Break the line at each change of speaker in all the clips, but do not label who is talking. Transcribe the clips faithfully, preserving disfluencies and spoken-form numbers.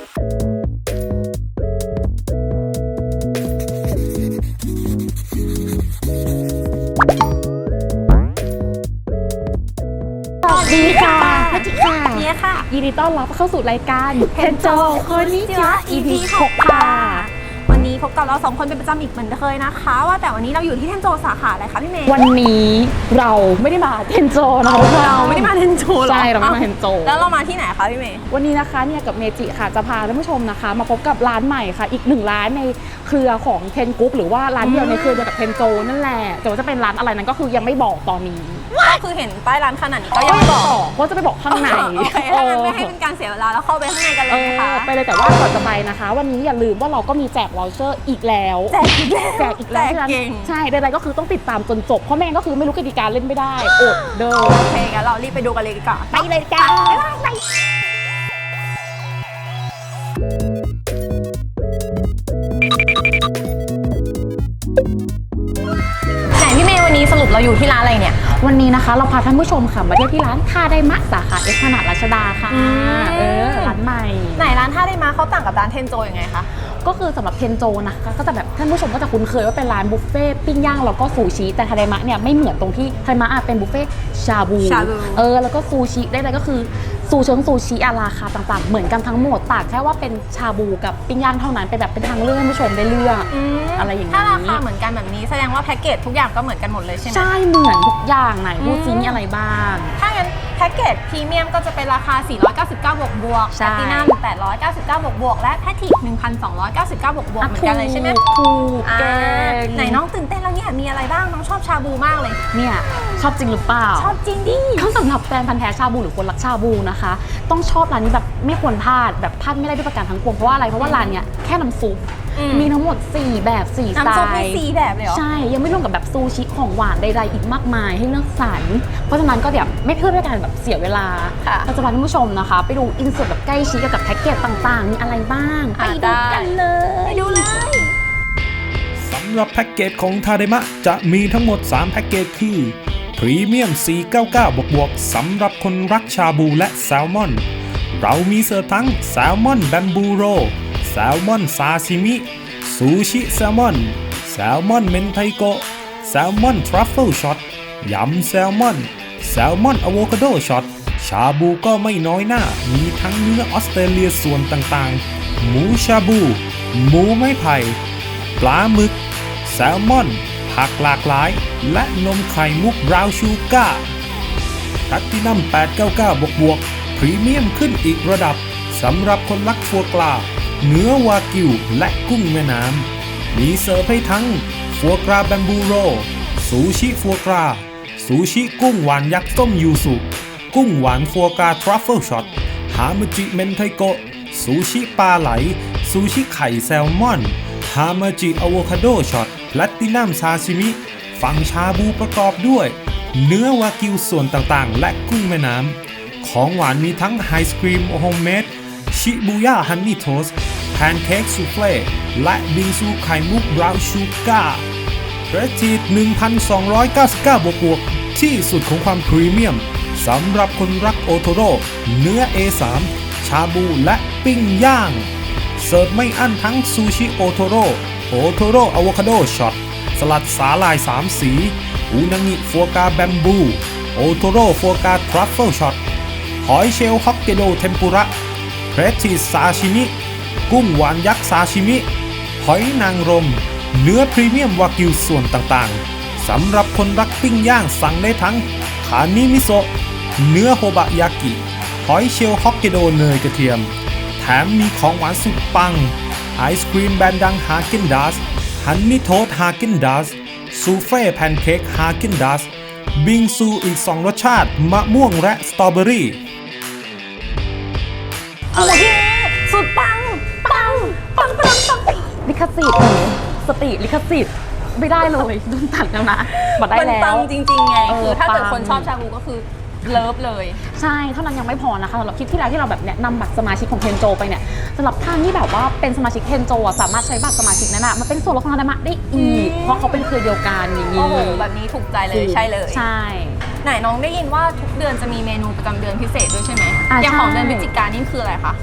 ดีค่ะพัชิค่ะ
เนี่ยค่ะ
ยินดีต้อนรับเข้าสู่รายการเทนโจโคนิจิวะ อี พี หก ค่ะ
วันนี้พบกับเราสองคนเป็นประจำอีกเหมือนเคยนะคะว่าแต่วันนี้เราอยู่ที่เทนโจสาขาอะไรคะพี่เมย์
วันนี้เราไม่ได้มาเทนโจนะ
เราไม่ได้มาเทนโจหรอ
ใช่เราไม่มาเทนโจ
แล้วเรามาที่ไหนคะพี่เมย์
วันนี้นะคะเนี่ยกับเมจิค่ะจะพาท่านผู้ชมนะคะมาพบกับร้านใหม่ค่ะอีกหนึ่งร้านในเครือของเทนกรุ๊ปหรือว่าร้านเดียวในเครือเดียวกับเทนโจนั่นแหละแต่ว่าจะเป็นร้านอะไรนั้นก็คือยังไม่บอกตอนนี้
ก็คือเห็นป้ายร้านขนาดนี้ก็ยังไม่บอก
ว่าจะไปบอกข้างใน
โอเคถ้างั้นไม่ให้เป็นการเสียเวลาแล้วเข้าไปข้างในกันเลยนะคะ
ไปเลยแต่ว่าก่อนจะไปนะคะวันนี้อย่าลืมว่าเราก็มีแจกวอลเชอร์อีกแล้ว
แจกอีกแล้ว
แจกอีกแล้วใช่ใดๆก็คือต้องติดตามจนจบเพราะแม่ก็คือไม่รู้กติกาเล่นไม่ได้อดเด้อ
โอเคงั้นเรารีบไปดูกันเลยดีกว่า
ไปเลยจ้าไป
พี่เมย์วันนี้สรุปเราอยู่ที่ร้านอะไรเนี่ย
วันนี้นะคะเราพาท่านผู้ชมค่ะมาเที่ยวที่ร้านท่าไดมะสาขาเอสขนาดรัชดาค่ะเออร้านใหม่
ไหนร้านท่าไดมะเขาต่างกับร้านเทนโจยังไงคะ
ก็คือสำหรับเทนโจนะคะก็จะแบบท่านผู้ชมก็จะคุ้นเคยว่าเป็นร้านบุฟเฟ่ปิ้งย่างแล้วก็ซูชิแต่ทาไดมะเนี่ยไม่เหมือนตรงที่ทาไดมะเป็นบุฟเฟ่ชาบูเออแล้วก็ซูชิได้เลยก็คือซูเชิงซูชิอาราคาต่างๆเหมือนกันทั้งหมดต่างแค่ว่าเป็นชาบูกับปิ้งย่างเท่านั้นเป็นแบบเป็นทางเลือกให้ผู้ชมได้เลือกอะไรอย่างนี้
ถ้าราคาเหมือนกันแบบนี้แสดงว่าแพ็กเกจทุกอย่างก็เหมือนกันหมดเลยใช่ไหม
ใช่เหมือนทุกอย่างไหนพูดซิมีอะไรบ้าง
ถ้างั้นแพ็กเกจพรีเมียมก็จะเป็นราคาสี่ร้อยเก้าสิบเก้าบวกบวกแพลตินัมแปดร้อยเก้าสิบเก้าบวกบวกและแพทริก หนึ่งพันสองร้อยเก้าสิบเก้าบวกบวกเหมือนกันเลยใช่ไหม
ถูกเก่ง
ไหนน้องตื่นเต้นแล้วเนี่ยมีอะไรบ้างน้องชอบชาบูมากเลย
เนี่ยชอบจริงหรือเปล่า
ชอบจริงดิ
เขาสำหรับแฟนพันธุ์แท้ชาบูหรือคนรักชาบูนะคะต้องชอบร้านนี้แบบไม่ควรพลาดแบบพลาดไม่ได้ด้วยประการทั้งปวงเพราะว่าอะไรเพราะว่าร้านเนี้ยแค่น้ำซุปมีทั้งหมดสี่แบบสี่สไตล์
น้ำซุปมีสี่แบบเลยเหรอ
ใช่ยังไม่รวมกับแบบซูชิของหวานใดๆอีกมากมายให้เลือกสรรเพราะฉะนั้นก็แบบไม่เพื่อด้วยการแบบเสียเวลาเราจะพาท่านผู้ชมนะคะไปดูอินเสิร์ตแบบใกล้ชิดกับแพ็กเกจต่างๆมีอะไรบ้างไปดูกันเลย
ไปดูเลย
สำหรับแพ็กเกจของทาไดมะจะมีทั้งหมดสามแพ็กเกจคือพรีเมียมสี่ร้อยเก้าสิบเก้าบวกบวกสำหรับคนรักชาบูและแซลมอนเรามีเสิร์ฟทั้งแซลมอนแบมบูโรแซลมอนซาซิมิซูชิแซลมอนแซลมอนเมนไทโกะแซลมอนทรัฟเฟิลช็อตยำแซลมอนแซลมอนอะโวคาโดช็อตชาบูก็ไม่น้อยหน้ามีทั้งเนื้อออสเตรเลียส่วนต่างๆหมูชาบูหมูไม้ไผ่ปลาหมึกแซลมอนผักหลากหลายและนมไข่มุกบราวน์ชูการ์แพลตตินัมแปดร้อยเก้าสิบเก้าบวกบวกพรีเมียมขึ้นอีกระดับสำหรับคนรักฟัวกราเนื้อวากิวและกุ้งแม่น้ำมีเสิร์ฟให้ทั้งฟัวกราแบมบูโรซูชิฟัวกราซูชิกุ้งหวานยักษ์ต้มยูสุกุ้งหวานฟัวกราทรัฟเฟิลช็อตฮามาจิเมนไทโกะซูชิปลาไหลซูชิไข่แซลมอนฮามาจิอะโวคาโดช็อตแพลตตินัมซาชิมิฝั่งชาบูประกอบด้วยเนื้อวากิวส่วนต่างๆและกุ้งแม่น้ำของหวานมีทั้งไฮสครีมโฮมเมดชิบูย่าฮันนี่โทสต์แพนเค้กซูเฟ่และบิงซูไข่มุกบราวน์ชูการ์เรทีด หนึ่งพันสองร้อยเก้าสิบเก้าบวกบวกที่สุดของความพรีเมียมสำหรับคนรักโอโทโร่เนื้อ เอ สาม ชาบูและปิ้งย่างเสิร์ฟไม่อั้นทั้งซูชิโอโทโร่โอโทโร่อะโวคาโดช็อตสลัดสาหร่ายสามสีอูนางิฟัวกราแบมบูโอโทโร่ฟัวกราทรัฟเฟิลช็อตหอยเชลล์ฮอกเกโดเทมปุระเพรสชีซาชิมิกุ้งหวานยักษ์ซาชิมิหอยนางรมเนื้อพรีเมียมวากิวส่วนต่างๆสำหรับคนรักปิ้งย่างสั่งได้ทั้งคานิมิโซะเนื้อโฮบะยากิหอยเชลล์ฮอกเกโดเนยกระเทียมแถมมีของหวานสุดปังไอศครีมแบรนด์ดังฮาเกนดัสฮันนี่โทสต์ฮาเกนดัสซูเฟ่แพนเค้กฮาเกนดัสบิงซูอีกสองรสชาติมะม่วงและสตรอเบอรี่
โอเคสุดปังปังปังปังปัง
ลิขสิทธิ์สติลิขสิทธิ์ไม่ได้เลยโดนตัดแล้วนะบัดได้แล้ว
มันปังจริงๆไงคือถ้าเกิดคนชอบชาบูก็คือเลิฟเลย
ใช่เท่านั้นยังไม่พอนะคะสำหรับคลิปที่แล้วที่เราแบบแนะนำบัตรสมาชิกของเทนโจไปเนี่ยสำหรับท่านที่แบบว่าเป็นสมาชิกเทนโจสามารถใช้บัตรสมาชิกนั้นอะมาเป็นส่วนลดของทาไดมะได้อีกเพราะเขาเป็นเครือเดียวกันอย่างนี้
โอ้โหแบบนี้ถูกใจเลยใช่เลย
ใช่
ไหนน้องได้ยินว่าทุกเดือนจะมีเมนูประจำเดือนพิเศษด้วยใช่ไหมอย่างของเดือนพฤศจิกายนนี่คืออะไรคะ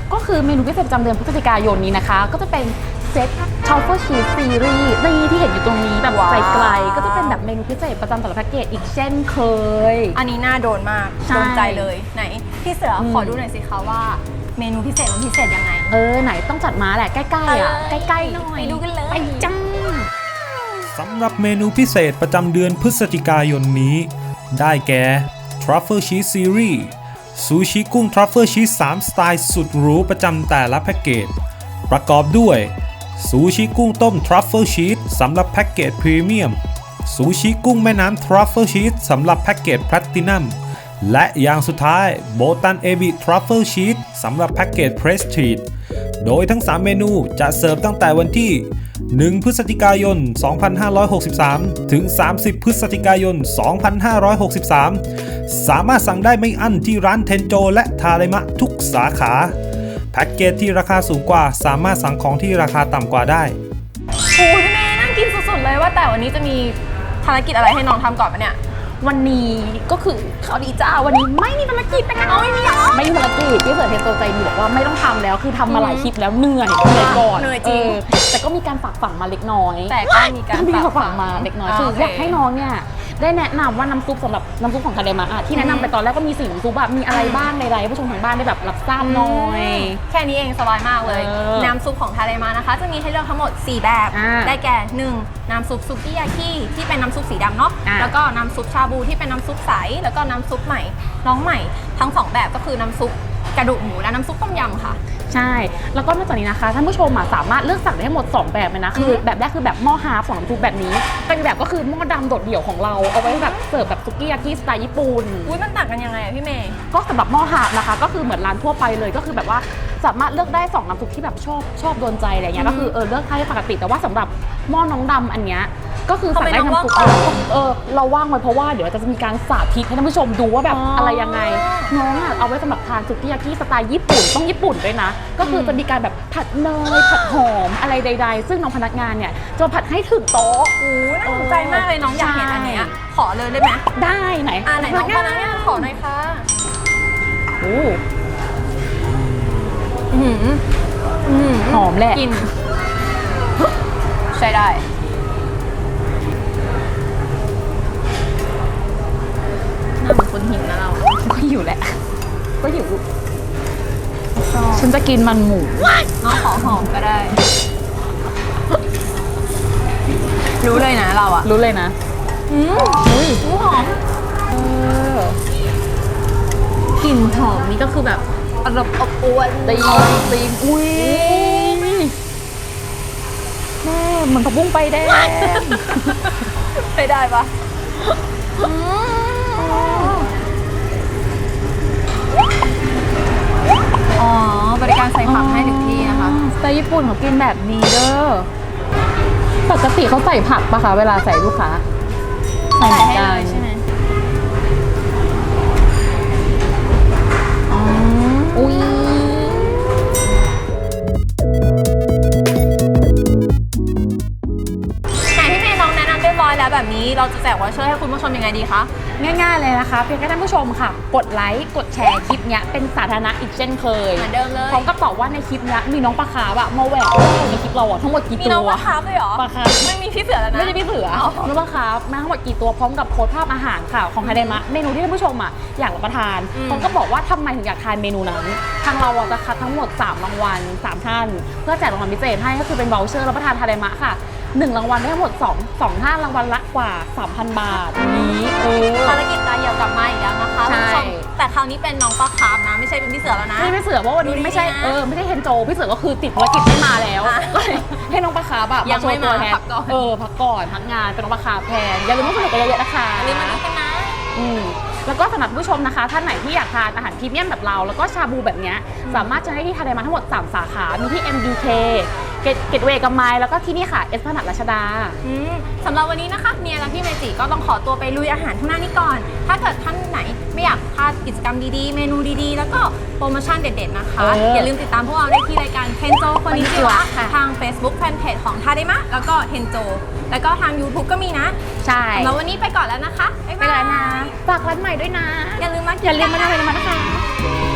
ก็คือเมนูพิเศษประจำเดือนพฤศจิกายนนี้นะคะก็จะเป็นเซตทรัฟเฟิลชีสซีรีส์นี่ที่เห็นอยู่ตรงนี้แบบไกลๆก็จะเป็นแบบเมนูพิเศษประจำแต่ละแพ็กเกจอีกเช่นเคย
อันนี้น่าโดนมาก
ใช่
โดนใจเลยไหนพี่เสืออ
ม
ขอดูหน่อยสิคะว่าเมนูพิเศษมันพิเศษยังไง
เออไหนต้องจัดมาแหละใกล้ๆอ่ะ
เอ้ย
ใกล้ๆหน่อย
ไปดูกันเลย
ไปจ้า
สำหรับเมนูพิเศษประจำเดือนพฤศจิกายนนี้ ได้แก่ Truffle Cheese Series ซูชิกุ้ง Truffle Cheese สามสไตล์สุดหรูประจำแต่ละแพ็กเกจประกอบด้วยซูชิกุ้งต้ม Truffle Cheese สำหรับแพ็กเกจพรีเมียมซูชิกุ้งแม่น้ำ Truffle Cheese สำหรับแพ็กเกจแพลตินัมและอย่างสุดท้ายโบตันเอบิ Truffle Cheese สำหรับแพ็กเกจ Prestige โดยทั้งสามเมนูจะเสิร์ฟตั้งแต่วันที่หนึ่งพฤศจิกายน สองพันห้าร้อยหกสิบสาม ถึง สามสิบพฤศจิกายน สองพันห้าร้อยหกสิบสาม สามารถสั่งได้ไม่อั้นที่ร้านเทนโจและทาเดมะทุกสาขาแพ็กเกจที่ราคาสูงกว่าสามารถสั่งของที่ราคาต่ำกว่าได้
โอ้ยพี่เมย์น่ากินสุดๆเลยว่าแต่วันนี้จะมีภารกิจอะไรให้น้องทำก่อนปะเนี่ย
วันนี้ก็คือข่าวดีจ้าวันนี้ไม่มีภารกิจนะคะ
เอาไม่มีเหรอ
ไม่มีภารกิจพี่เสือเทนโตใจดีบอกว่าไม่ต้องทำแล้วคือทำมาหลายคลิปแล้วเหนื่อยเหนื่อยก่อน
เหนื่อยจริง
เออแต่ก็มีการฝากฝังมาเล็กน้อย
แต่ก็มีการ
มี
ฝาก
ฝาก
ฝั
ฝั
ง
งมาเล็กน้อย
อ่า
คือ
โอเค
อยากให้น้องเนี่ยได้แนะนำว่าน้ำซุปสำหรับน้ำซุปของทาเดมะอะที่แนะนำไปตอนแรกก็มีสี่น้ำซุปแบบมีอะไรบ้างในไรผู้ชมทางบ้านได้แบบรับทราบหน่อย
แค่นี้เองสบายมากเลย
เออ
น้ำซุปของทาเดมานะคะ จะมีให้เลือกทั้งหมด สี่ แบบ
อ่า
ได้แก่ หนึ่ง น้ำซุปซุกี้ยากิที่เป็นน้ำซุปสีดำเนาะ
อ่า
แล้วก็น้ำซุปชาบูที่เป็นน้ำซุปใสแล้วก็น้ำซุปใหม่น้องใหม่ทั้งสองแบบก็คือน้ำซุปกระดูกหมูและน้ำซุปต้มยำค่ะ
ใช่แล้วก็นอกจากนี้นะคะท่านผู้ชมอะสามารถเลือกสั่งได้ทั้งหมดสองแบบเลยนะคือ
อือฮึ
แบบแรกคือแบบหม้อฮาร์ฟของน้ำซุปแบบนี้เป็นแบบก็คือหม้อดำโดดเดี่ยวของเราเอาไว้แบบเสิร์ฟแบบซุกี้ยากิสไตล์ญี่ปุ่น
อุ้ยมันต่างกันยังไงอะพี่เมย์
ก็สำหรับหม้อฮาร์ฟนะคะก็คือเหมือนร้านทั่วไปเลยก็คือแบบว่าสามารถเลือกได้สองน้ำซุปที่แบบชอบชอบโดนใจอะไรเงี้ย
อืม
ก็คือเออเลือกได้ปกติแต่ว่าสำหรับหม้อน้องดำอันเนี้ยก็คือสั่งได้
ทำไมน้อง
น้ำซุป
ว่างเปล่า
เออเราว่างไว้เพราะว่าเดี๋ยวจะมีการสาธิตให้ท่านผู้ชมดูว่าแบบ
อ๋ออ
อะไรยังไงน้องอะเอาไว้สำหรับทานซุกี้ยากิสไตล์ญี่ปุ่นต้องญี่ปุ่นด้วยนะ ก็คือจะมีการแบบผัดเนยผัดหอมอะไรใด ๆ ซึ่งน้องพนักงานเนี่ยจะผัดให้ถึงโต๊ะ
โอ้ยน่าสนใจมากเลยน้องอยากเห็นอันเนี้ยขอเลยได้ไหม
ได้ไหน
อ่าไหนน้องพนักงานขอหน่อยค่ะ
โอ้
อื้อหืออื้อหื
หอมแหละ
กินใช้ได้หน้าเหมือนคนหิวนะเรา
ก็อยู่แหละ ก็อยู่
ชอบ
ฉันจะกินมันหมู
น้องขอหอมก็ได้ รู้เลยนะเราอะ
รู้เลยนะ
อืม
อุ้ย
อู้หอม
เออก
ลิ่นหอมนี่ก็คือแบบอรบอบอวน
ตีตีอุ้ยแม่เหมือนผักบุ้งไฟแดง
ใช้ได้ปะอ๋อบริการใส่ผักให้ถึงที่นะคะ
สไตล์ญี่ปุ่นเขากินแบบนี้เด้อปกติเขาใส่ผักปะคะเวลาใส่ลูกค้า
ใส่
เหมือน
ให้
กั
เลยใช่ไหม
อ๋ออุ้ย
ไหนพี่เมย์น้องแนะนำเรียบร้อยแล้วแบบนี้เราจะแจกวอเชอร์ให้คุณผู้ชมยังไงดีคะ
ง่ายๆเลยนะคะเพียงแค่ท่านผู้ชมค่ะ กดไลค์กดแชร์คลิปเนี้ยเป็นสาธารณะอีกเช่นเคย
เหมือนเดิมเลย
พร้อมกับตอบว่าในคลิปเนี้ยมีน้องปลาคาร์ฟอะมาแหวกเรื่องในคลิปเราอะทั้งหมดกี่
มี
ตัว
น้องปลาคาร์ฟด้วยเหรอ
ปลาคาร์ฟ
ไม่มีพี่เสือแล้วนะ
ไม่ใช่พี่เสือ
อ๋อ
น้องปลาคาร์ฟมาทั้งหมดกี่ตัวพร้อมกับโพสต์ภาพอาหารค่ะของไฮเดมะเมนูที่ท่านผู้ชมอะอยากรับประทาน
อืม
พร้อมกับบอกว่าทำไมถึงอยากทานเมนูนั้นทางเราอะจะคัดทั้งหมดสามรางวัลสามท่านเพื่อแจกรางวัลพิเศษให้ก็คือเป็นวอลเชอร์รับประทานไฮเดมะค่ะหนึ่งรางวัลได้ทั้งหมดสอง สองท่านรางวัลละกว่า สามพัน บาทนี้เออ
ภารกิจตาเหี่ยวกลับมาอีกแล้วนะคะ
ใช่
คุณผู้ชมแต่คราวนี้เป็นน้องปลาคาร์ฟนะไม่ใช่เป็นพี่เสือแล้วนะ
ไม่ไม่เสือเพราะวันนี้
ดูดี
ไม่ใช่
นะ
เออไม่ใช่เฮนโจพี่เสือก็คือติดภารกิจไม่มาแล้ว
อ่ะ
ก็เลยให้น้องปลาคาร์ฟอะ
ยังไม่
โชว์ตัว
มา
แทน
พักก่อน
เออพักก่อนพักงานเป็นน้องปลาคาร์ฟแทนอย่าลืมว่าสนุกกันเยอะๆนะคะ
อย่าลืมมาดูกันนะ
อืมแล้วก็สำหรับผู้ชมนะคะท่านไหนที่อยากทานอาหารพรีเมียมแบบเรา แล้วก็ชาบูแบบเนี้ยสามารถจะได้ที่ทาเดมาทั้งหมดสามสาขามีที่ เอ็ม บี เค เกตเกตเวย์กับไมล์แล้วก็ที่นี่ค่ะเอสพนัดรัชดา
อืมสำหรับวันนี้นะคะเมียและพี่เมจิก็ต้องขอตัวไปลุยอาหารข้างหน้านี้ก่อน ถ้าเกิดท่านไหนไม่อยากพลาดกิจกรรมดีๆ เมนูดีๆ แล้วก็โปรโมชั่นเด็ดๆนะคะ
เอออ
อย่าลืมติดตามพวกเราได้ที่รายการเทนโจคนนี้จิวะ
ค่ะ
ทาง Facebook Fanpage ของทาเดมะแล้วก็เทนโจแล้วก็ทาง YouTube ก็มีนะ
ใช่
สำหรับวันนี้ไปก่อนแล้วนะคะบ๊าย
ไป
บาย
แล้วนะฝากร้านใหม่ด้วยนะ
อย่าลืมมา
อย่าลืมมาทำอะไรมานะคะ